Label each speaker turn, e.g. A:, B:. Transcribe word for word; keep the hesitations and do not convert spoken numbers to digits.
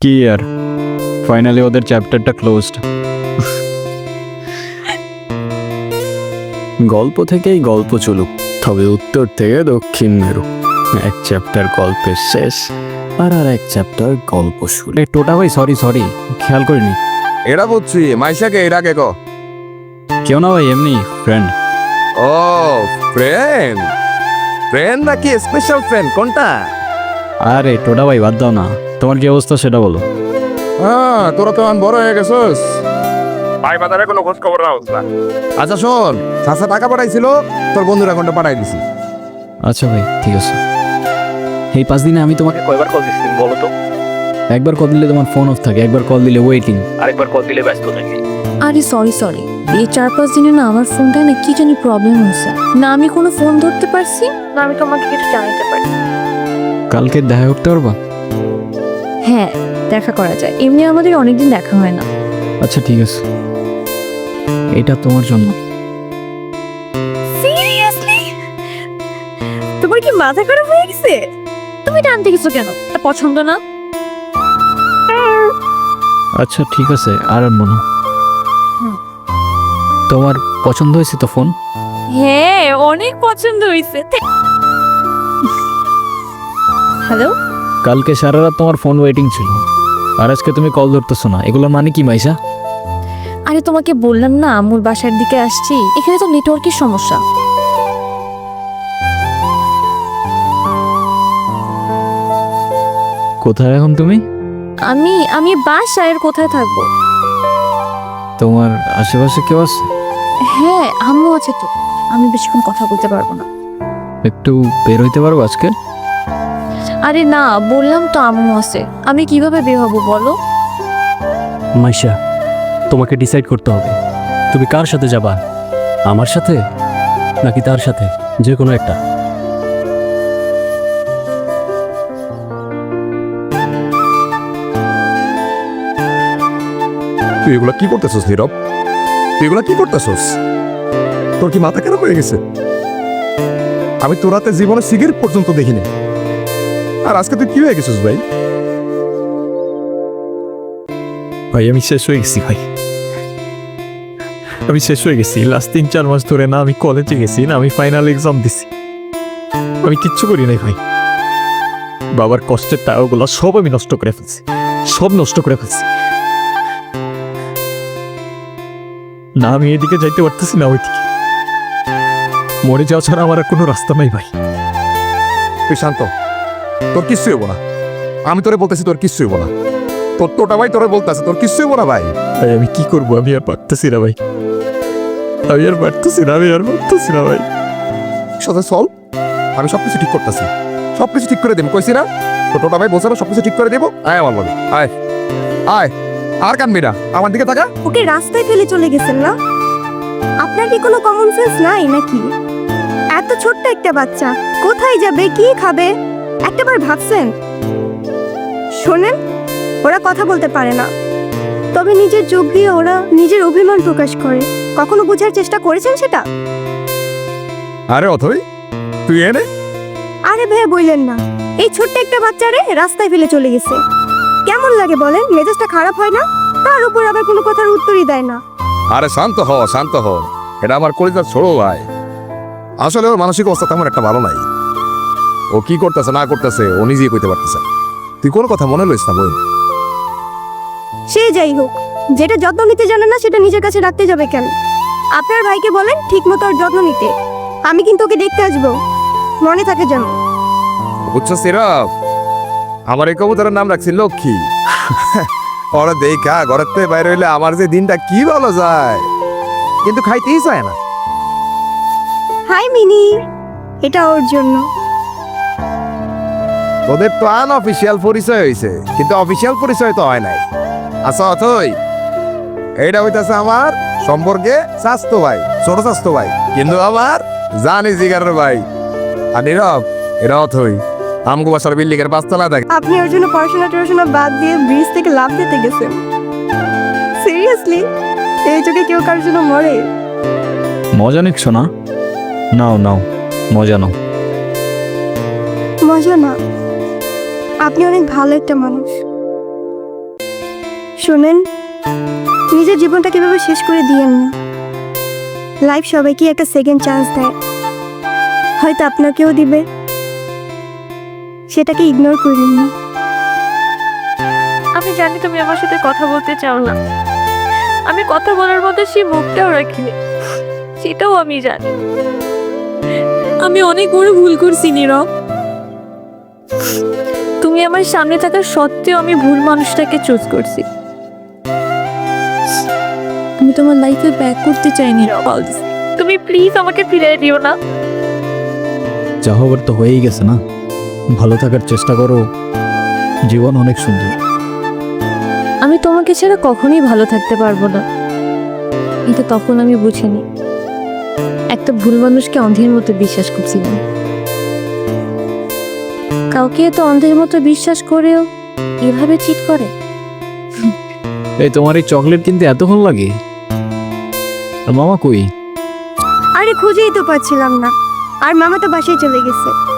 A: কি আর ফাইনালি ওদের চ্যাপ্টারটা ক্লোজড। গল্প থেকেই গল্প চলুক, তবে উত্তর থেকে দক্ষিণ মেরু। এক চ্যাপ্টার গল্পের শেষ, আর আর এক চ্যাপ্টার গল্প শুরু। এই টোটা ভাই, সরি সরি খেয়াল করিনি।
B: এরা বুঝছি মাইশাকে এরা কে কো?
A: কেউ না ভাই, এমনি ফ্রেন্ড।
B: ও ফ্রেন্ড, ফ্রেন্ড নাকি স্পেশাল ফ্রেন্ড কোনটা?
A: আরে টোটা ভাই বাদ দাও না, তোমার কি অবস্থা সেটা বলো।
B: হ্যাঁ তোরা তো এখন বড় হয়ে গেছিস, ভাই বাজারে কোনো খোঁজ খবর রাখছ না। আচ্ছা শোন, চাচা টাকা পাঠাইছিল, তোর বন্ধুর অ্যাকাউন্টে পাঠাই দিছি।
A: আচ্ছা ভাই ঠিক আছে। এই পাঁচ দিনে আমি তোমাকে কয়বার কল দিচ্ছি বলো তো? একবার কল দিলে তোমার ফোন অফ থাকে, একবার কল দিলে ওয়েটিং, আরেকবার কল দিলে ব্যস্ত থাকে।
C: আরে সরি সরি এই চার পাঁচ দিনে না আমার ফোনটায় না কি জানি প্রবলেম হয়েছে, না আমি কোনো ফোন ধরতে পারছি, না আমি তোমাকে কিছু জানাতে পারি।
A: কালকে দেখা করতে পারবা?
C: হ্যাঁ দেখা করা যায়, এমনি আমাদের অনেকদিন দেখা হয় না।
A: আচ্ছা ঠিক আছে, এটা তোমার জন্য।
C: সিরিয়াসলি? তোমার কি মাথা খারাপ হয়ে গেছে? তুমি টানতে গেছো কেন? তা পছন্দ না?
A: আচ্ছা ঠিক আছে, আর আনবো না। তোমার পছন্দ হয়েছে তো ফোন?
C: হ্যাঁ অনেক পছন্দ হয়েছে। হ্যালো,
A: কালকে সারা রাত তোমার ফোন ওয়েটিং ছিল, আর আজকে তুমি কল ধরতেছো না, এগুলোর মানে কি মাইশা?
C: আরে তোমাকে বললাম না আম্মুর বাসার দিকে আসছি, এখানে তো নেটওয়ার্কের সমস্যা।
A: কোথায় এখন তুমি?
C: আমি আমি বাসায়, আর কোথায় থাকবো?
A: তোমার আশেপাশে কেউ আছে?
C: হ্যাঁ আম্মু আছে তো, আমি বেশিক্ষণ কথা বলতে পারবো না।
A: একটু বের হইতে পারবো আজকে?
C: আরে না বললাম তো আম্মু আছে, আমি কিভাবে বের হবো বলো?
D: মাইশা, তোমাকে ডিসাইড করতে হবে তুমি কার সাথে যাবা, আমার সাথে নাকি তার সাথে, যে কোনো একটা।
B: তুই এগুলা কি করতেছিস নীরব? তুই এগুলা কি করতেছিস? তোর কি মাথা খারাপ হয়ে গেছে? আমি তোর হাতে জীবনে সিগারেট পর্যন্ত দেখিনি, আর আজকে তুই কি হয়ে গেছিস ভাই?
E: ভাই আমি শেষ হয়ে গেছি ভাই, আমি শেষ হয়ে গেছি। লাস্ট তিন চার মাস ধরে না আমি কলেজে গেছি, না আমি ফাইনাল এক্সাম দিছি, আমি কিচ্ছু করি নাই ভাই। বাবার কষ্টের টাকাগুলো সব আমি নষ্ট করে ফেলছি, সব নষ্ট করে ফেলছি। না আমি এদিকে যাইতে পারতেছি না ওইদিকে, মরে যাওয়া ছাড়া আমার আর কোনো রাস্তা নাই ভাই।
B: তুই শান্ত, তোর কিচ্ছু হইব না। আমি তোরে বলতেছি তোর কিচ্ছু হইব না। তোর তোটা ভাই তোরে বলতেছে তোর কিচ্ছু হইব না ভাই।
E: ভাই আমি কি করবো, আমি আর পারতেছি না ভাই, আমি আর পারতেছি না, আমি আর পারতেছি না ভাই।
B: সাথে চল, আমি সবকিছু ঠিক করতেছি, সবকিছু ঠিক করে দেবো কইছি না? তো টোটা ভাই বলছে না সবকিছু ঠিক করে দেবো। আয় আমার বলি, আয় আয়, আর কানবি না, আমার দিকে তাকা।
F: ওকে রাস্তায় ফেলে চলে গেছেন না? আপনার কি কোনো কমন সেন্স নাই নাকি? এত ছোট্ট একটা বাচ্চা কোথায় যাবে, কি খাবে, একটাবার ভাবছেন? শোনেন, ওরা কথা বলতে পারে না, তবে নিজের চোখ দিয়ে ওরা নিজের অভিমান প্রকাশ করে। কখনো বোঝার চেষ্টা করেছেন সেটা?
B: আরে অথই তুই এনে।
F: আরে ভাইয়া বললেন না, এই ছোট্ট একটা বাচ্চারে রাস্তায় ফেলে চলে গেছে। কেমন লাগে বলেন? মেজাজটা খারাপ হয় না? তার উপর আবার কোনো কথার উত্তরই দেয় না।
B: আরে শান্ত হ, শান্ত হ, এটা আমার কলিজার ছোড়ো ভাই। আসলে ওর মানসিক অবস্থা তেমন একটা ভালো নাই। ও কি করতেছে না করতেছে ও নিজেই কইতে পারতেছে। তুই কোনো কথা মনে লইস না বোন।
F: সে যাই হোক, যেটা যত্ন নিতে জানে না সেটা নিজের কাছে রাখতে যাবে কেন? আপনার ভাইকে বলেন ঠিক মতো ওর যত্ন নিতে। আমি কিন্তু ওকে দেখতে আসবো, মনে থাকে যেন।
B: বুঝছো সিরাপ, আমার এই কবুতরের নাম রাখছি লক্ষ্মী। ওরা দেখা ঘরের থেকে বাইরে হইলে আমার যে দিনটা কি ভালো যায়, কিন্তু খাইতেই চায় না।
F: হাই মিনি, এটা ওর জন্য।
B: তোদের তো আনঅফিসিয়াল পরিচয় হয়েছে, কিন্তু অফিসিয়াল পরিচয় তো হয় নাই। আচ্ছা অথই, এইটা হইতাছে আমার সম্পর্কে স্বাস্থ্য ভাই, ছোট স্বাস্থ্য ভাই, কিন্তু আমার জানি জিগারের ভাই। আর নীরব, এটা অথই আমগো বাসার বিল্ডিং এর পাঁচতলা থাকে।
F: আপনি ওর জন্য পড়াশোনা টড়াশোনা বাদ দিয়ে ব্রিজ থেকে লাফ দিতে গেছেন? সিরিয়াসলি? এই যুগে কেউ কারোর জন্য মরে?
A: মজা নিচ্ছ না? নাও নাও মজা নাও।
F: মজা না, আপনি অনেক ভালো একটা মানুষ। শোনেন, নিজের জীবনটা কিভাবে শেষ করে দিয়েন না। লাইফ সবাইকে একটা সেকেন্ড চান্স দেয়, হয়তো আপনাকেও দিবে, সেটাকে ইগনোর করেন না।
C: আমি জানি তুমি আমার সাথে কথা বলতে চাও না, আমি কথা বলার মতো সেই মুখটাও রাখিনি, সেটাও আমি জানি। আমি অনেক বড় ভুল করছি নীরব। তুমি আমার সামনে থাকা সত্ত্বেও আমি ভুল মানুষটাকে চুজ করছি। আমি তোমার লাইফে ব্যাক করতে চাই নীরব। তুমি প্লিজ আমাকে ফিরিয়ে দিও না।
E: যা হবার তো হয়েই গেছে না, ভালো থাকার চেষ্টা করো, জীবন অনেক সুন্দর।
C: আমি তোমাকে ছাড়া কখনোই ভালো থাকতে পারবো না, কিন্তু তখন আমি বুঝিনি একটা ভুল মানুষকে অন্ধের মতো বিশ্বাস করছিলাম। কাউকে তো অন্ধের মতো বিশ্বাস করেও এভাবে চিট করে।
E: এই তোমার এই চকলেট কিনতে এতক্ষণ লাগে? আর মামা কই?
F: আরে খুঁজেই তো পাচ্ছিলাম না, আর মামা তো বাসায় চলে গেছে।